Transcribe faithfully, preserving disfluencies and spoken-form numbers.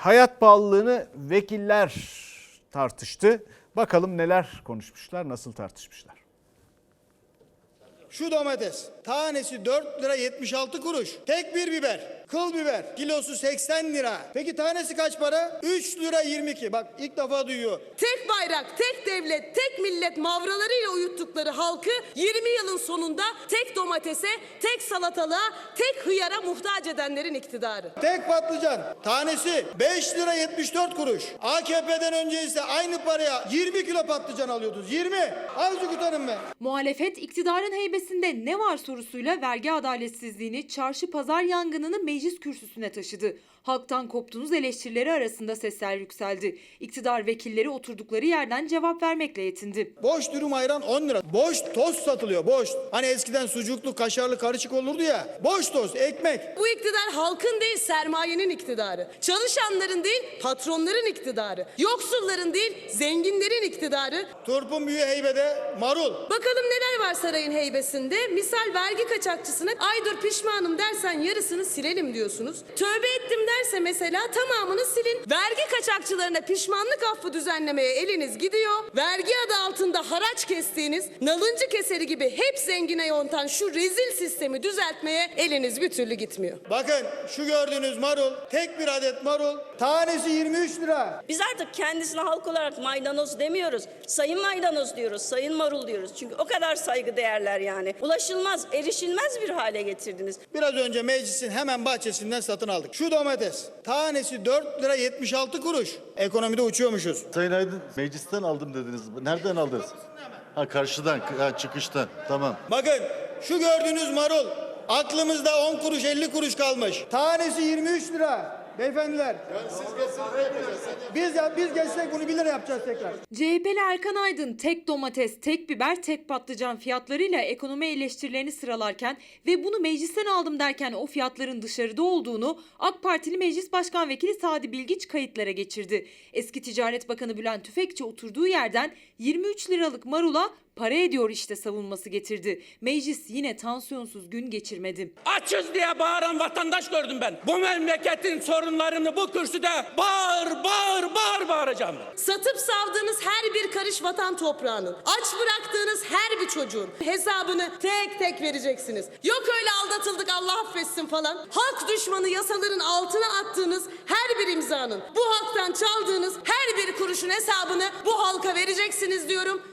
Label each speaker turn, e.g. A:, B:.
A: hayat pahalılığını vekiller tartıştı. Bakalım neler konuşmuşlar, nasıl tartışmışlar.
B: Şu domates tanesi dört lira yetmiş altı kuruş. Tek bir biber, kıl biber kilosu seksen lira. Peki tanesi kaç para? üç lira yirmi iki. Bak ilk defa duyuyor.
C: Tek bayrak, tek devlet, tek millet mavralarıyla uyuttukları halkı yirmi yılın sonunda tek domatese, tek salatalığa, tek hıyara muhtaç edenlerin iktidarı.
B: Tek patlıcan tanesi beş lira yetmiş dört kuruş. A K P'den önce ise aynı paraya yirmi kilo patlıcan alıyordunuz. yirmi. Azıcık utanın be.
D: Muhalefet iktidarın heybesinde ne var sorusuyla vergi adaletsizliğini, çarşı pazar yangınını meclis kürsüsüne taşıdı. Halktan koptunuz eleştirileri arasında sesler yükseldi. İktidar vekilleri oturdukları yerden cevap vermekle yetindi.
B: Boş dürüm ayran on lira. Boş tost satılıyor, boş. Hani eskiden sucuklu, kaşarlı karışık olurdu ya. Boş tost, ekmek.
C: Bu iktidar halkın değil sermayenin iktidarı. Çalışanların değil patronların iktidarı. Yoksulların değil zenginlerin iktidarı.
B: Turpun büyüğü heybede marul.
C: Bakalım neler var sarayın heybesinde. Misal vergi kaçakçısına ay dur pişmanım dersen yarısını silelim diyorsunuz. Tövbe ettim derse mesela tamamını silin. Vergi kaçakçılarına pişmanlık affı düzenlemeye eliniz gidiyor. Vergi adı altında haraç kestiğiniz nalıncı keseri gibi hep zengine yontan şu rezil sistemi düzeltmeye eliniz bir türlü gitmiyor.
B: Bakın şu gördüğünüz marul, tek bir adet marul, tanesi yirmi üç lira.
E: Biz artık kendisine halk olarak maydanoz demiyoruz. Sayın maydanoz diyoruz, sayın marul diyoruz. Çünkü o kadar saygı değerler yani. Ulaşılmaz, erişilmez bir hale getirdiniz.
B: Biraz önce meclisin hemen bahçesinden satın aldık. Şu domates, tanesi dört lira yetmiş altı kuruş. Ekonomide uçuyormuşuz.
F: Sayın Aydın, meclisten aldım dediniz. Nereden aldınız? Ha karşıdan, ha, çıkıştan. Tamam.
B: Bakın şu gördüğünüz marul, aklımızda on kuruş elli kuruş kalmış. Tanesi yirmi üç lira. Beyefendiler. Biz ya biz geçsek bunu bir lira yapacağız tekrar.
D: C H P'li Erkan Aydın tek domates, tek biber, tek patlıcan fiyatlarıyla ekonomi eleştirilerini sıralarken ve bunu meclisten aldım derken o fiyatların dışarıda olduğunu AK Partili Meclis Başkan Vekili Sadi Bilgiç kayıtlara geçirdi. Eski Ticaret Bakanı Bülent Tüfekçi oturduğu yerden yirmi üç liralık marula para ediyor işte savunması getirdi. Meclis yine tansiyonsuz gün geçirmedi.
G: Açız diye bağıran vatandaş gördüm ben. Bu memleketin sorunlarını bu kürsüde bağır bağır bağır bağıracağım.
C: Satıp savdığınız her bir karış vatan toprağının, aç bıraktığınız her bir çocuğun hesabını tek tek vereceksiniz. Yok öyle aldatıldık Allah affetsin falan. Halk düşmanı yasaların altına attığınız her bir imzanın, bu halktan çaldığınız her bir kuruşun hesabını bu halka vereceksiniz diyorum.